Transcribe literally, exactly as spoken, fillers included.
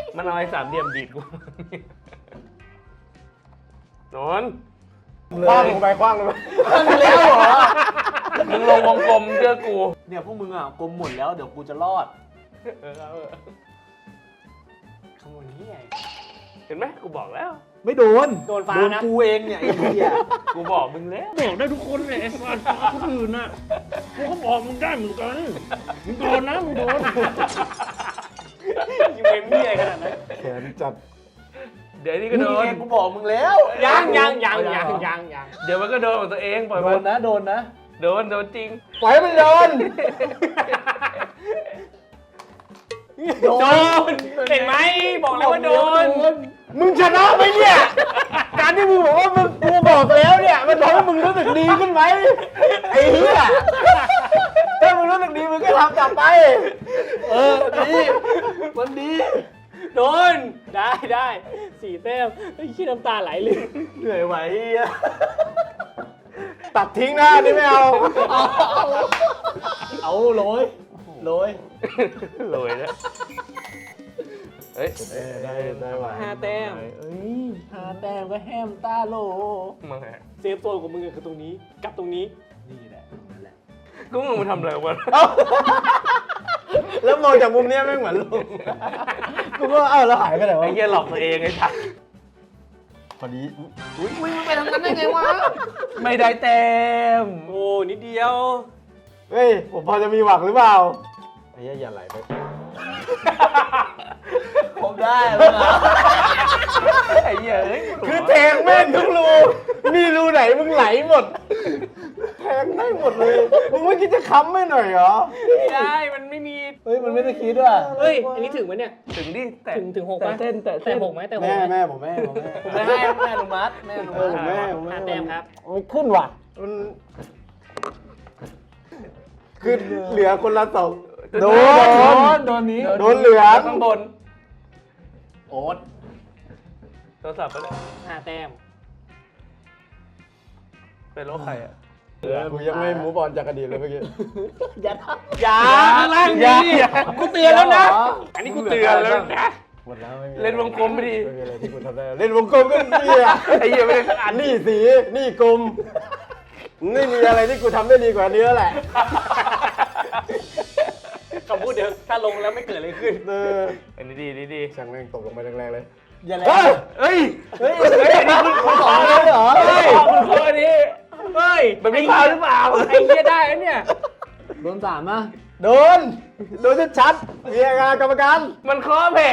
มันเอาไอ้สามเหลี่ยมดีดกูนอนคว้างลงไปคว้างลงไปแล้วเหรอมึงลงวงกลมเชื่อกูเนี่ยพวกมึงอ่ะกลมหมดแล้วเดี๋ยวกูจะรอดเออเอาเออขโมยนี่ไงเห็นไหมกูบอกแล้วไม่โดนโดนฟ้านะกูเองเนี่ยไอ้เหี้ยกูบอกมึงแล้วบอกได้ทุกคนเลยไอ้สัตว์คนอื่นน่ะกูก็บอกมึงได้เหมือนกันมึงโดนนะมึงโดนยิงเอ็มนี่อะไรขนาดนั้นแขนจัดเดี๋ยวนี่ก็โดนกูบอกมึงแล้วยังยังยังยังยังยังเดี๋ยวมันก็โดนของตัวเองปล่อยโดมันนนะโดนนะโดนโดนจริงปล่อยให้มันโดนโดนเห็นไหมบอกแล้วว่าโดนมึงชนะไหมเนี่ยการที่มึงบอกว่ามึงกูบอกแล้วเนี่ยมันทำให้มึงรู้สึกดีขึ้นไหมไอ้เหี้ยถ้ามึงรู้สึกดีมึงก็ทำต่อไปเออดีมันดีโดนได้ได้สี่แต้มไอ้ขี้น้ำตาไหลเลยเหนื่อยไหวเหี้ยตัดทิ้งหน้านี่ไม่เอาเอาโรยโรยโรยแล้วเฮ้ยได้ได้ไหวห้าแต้มเอ้ยห้าแต้มก็แฮมตาโลมึงไงเซฟโซนของมึงคือตรงนี้กับตรงนี้นี่แหละนั่นแหละกูมึงมาทำอะไรวะแล้วมองจากมุมเนี้ยไม่เหมือนลุงกูก็เอ้าแล้วหายไปไหนวะไอ้เหี้ยหลอกตัวเองไอ้ชักพอดีอุ้ยมึงไปทำนั้นได้ไงวะไม่ได้เต็มโอ้นิดเดียวเฮ้ยผมพอจะมีหวังหรือเปล่าไอ้เหี้ยอย่าไหลไปผมได้ไอ้เหี้ยเอ้ยคือแทงแม่งทุกรูมีรูไหนมึงไหลหมดแทงได้หมดเลยมึงไม่คิดจะค้ำไม่หน่อยเหรอไม่ได้มันไม่มีเฮ้ยมันไม่ได้คิดว่ะเฮ้ยอันนี้ถึงไหมเนี่ยถึงดิแต่ถึงถึงหกแต่ไหมเส้นแต่แต่เส้นหกไหมแต่หกแม่ไหมแม่ผมแม่ผมแม่ผมไม่ให้แม่อนุมัติแม่อนุเอมัอติผมแม่ผมแม่ห้าแต้มครับมันขึ้นว่ะมันคือเหลือคนละสองโดนโดนนี้โดนเหลืองข้างบนโอ๊ตโทรศัพท์ไปเลยห้าแต้มเป็นโรคใครอ่ะกูยังไม่มูฟออนจากอดีตเลยเมื่อกี้อย่าทำอย่าข้างล่างอย่าดีอย่ากูเตือนแล้วนะ อันนี้กูเตือนแล้วนะหมดแล้วไม่มีเล่นวงกลมไม่ดีไม่มีอะไรที่กูทำได้เล่นวงกลมก็นี่อ่ะไอ้เหี้ยไม่ได้สักอันนี่สีนี่กลมไม่มีอะไรที่กูทำได้ดีกว่านี้แล้วแหละคำพูดเดียวถ้าลงแล้วไม่เกิดอะไรขึ้นเอออันนี้ดีดีดีช่างแม่งตกลงไปแรงๆเลยอย่าแรเฮ้ยงเฮ้ยเฮ้ยเฮ้ยนี่คุณคุณสองเลยเหรอเฮ้ยคุณคอนี้เฮ้ยมันไม่พาหรือเปล่าไอ้เหี้ยได้แล้วเนี่ยโดนสามอ่ะโดนโดนชัดๆเรียกกรรมการมันคอแผล